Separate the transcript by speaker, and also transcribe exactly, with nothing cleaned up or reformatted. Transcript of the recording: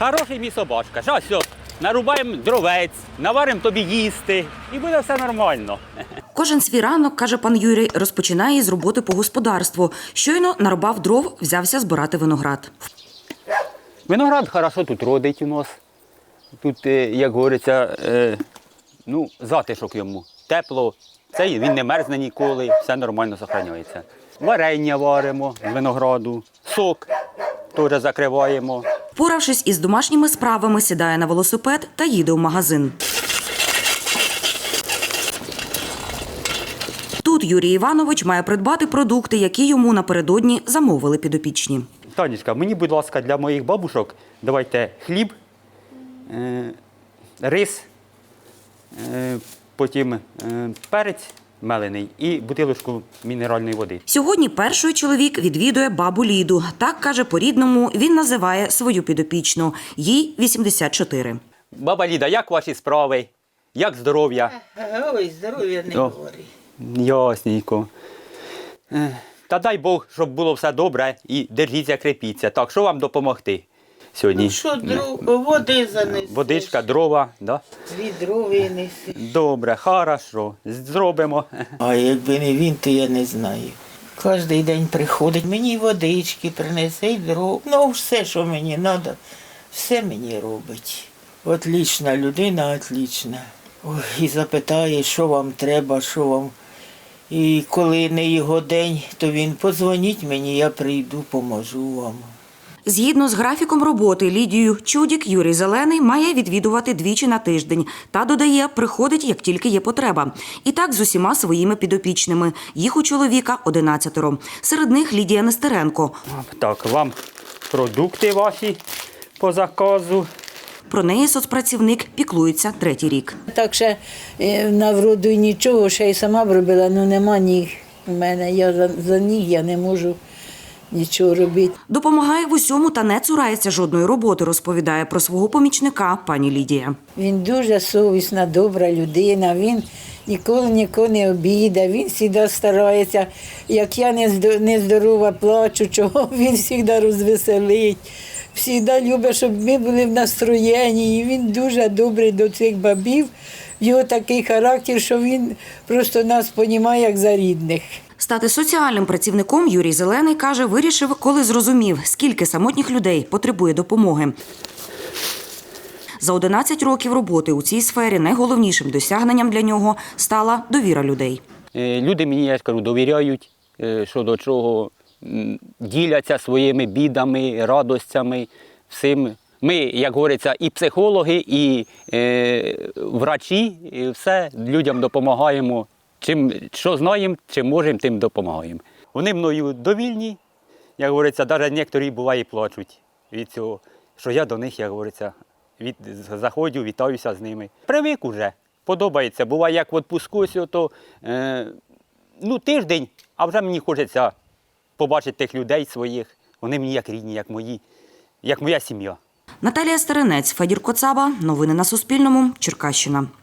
Speaker 1: Хороший мій собачка. Зараз все, нарубаємо дровець, наваримо тобі їсти і буде все нормально.
Speaker 2: Кожен свій ранок, каже пан Юрій, розпочинає із роботи по господарству. Щойно нарубав дров, взявся збирати виноград.
Speaker 1: Виноград хорошо тут родить у нас. Тут, як говориться, ну, затишок йому. Тепло, це він не мерзне ніколи, все нормально зберігається. Варення варимо з винограду, сок теж закриваємо.
Speaker 2: Поравшись із домашніми справами, сідає на велосипед та їде в магазин. Тут Юрій Іванович має придбати продукти, які йому напередодні замовили підопічні.
Speaker 1: Танечка, мені, будь ласка, для моїх бабушок давайте хліб, е, рис, е, потім е, перець мелений і бутилочку мінеральної води.
Speaker 2: Сьогодні перший чоловік відвідує бабу Ліду. Так, каже, по-рідному він називає свою підопічну. Їй вісімдесят чотири.
Speaker 1: Баба Ліда, як ваші справи? Як здоров'я?
Speaker 3: Ой, здоров'я не говори.
Speaker 1: Ясненько. Е, Та дай Бог, щоб було все добре і держіться, крепіться. Так, що вам допомогти сьогодні?
Speaker 3: Ну що, дров, води занеси.
Speaker 1: Водичка, дрова, да?
Speaker 3: Відро винеси.
Speaker 1: Добре, хорошо, зробимо.
Speaker 3: А якби не він, то я не знаю. Кожний день приходить, мені водички принесе, і дров. Ну, все, що мені треба, все мені робить. Отлічна людина, отлічна. Ой, і запитає, що вам треба, що вам. І коли не його день, то він подзвоніть мені, я прийду, поможу вам.
Speaker 2: Згідно з графіком роботи Лідію Чудік, Юрій Зелений має відвідувати двічі на тиждень. Та, додає, приходить, як тільки є потреба. І так з усіма своїми підопічними. Їх у чоловіка одинадцятеро. Серед них Лідія Нестеренко.
Speaker 1: Так, вам продукти ваші по заказу.
Speaker 2: Про неї соцпрацівник піклується третій рік.
Speaker 4: Так ще на вроду і нічого, ще й сама б робила, ну нема ніг у мене, я за, за ніг я не можу нічого робити.
Speaker 2: Допомагає в усьому та не цурається жодної роботи, розповідає про свого помічника пані Лідія.
Speaker 4: Він дуже совісна, добра людина, він ніколи нікого не обідає, він завжди старається, як я нездорова плачу, чого він завжди розвеселить. Всігда любить, щоб ми були в настроєнні, і він дуже добрий до цих бабів. Його такий характер, що він просто нас розуміє, як за рідних.
Speaker 2: Стати соціальним працівником Юрій Зелений, каже, вирішив, коли зрозумів, скільки самотніх людей потребує допомоги. За одинадцять років роботи у цій сфері найголовнішим досягненням для нього стала довіра людей.
Speaker 1: Люди мені, я кажу, довіряють, що до чого, діляться своїми бідами, радостями, всім. Ми, як говориться, і психологи, і е, врачі, і все людям допомагаємо. Чим, що знаємо, чим можемо, тим допомагаємо. Вони мною довільні, як говориться, навіть некоторі буває плачуть від цього, що я до них, як говориться, від, заходжу, вітаюся з ними. Привик уже, подобається. Буває, як в відпуску, то е, ну, тиждень, а вже мені хочеться побачити тих людей своїх. Вони мені як рідні, як мої, як моя сім'я.
Speaker 2: Наталія Старинець, Федір Коцаба. Новини на Суспільному. Черкащина.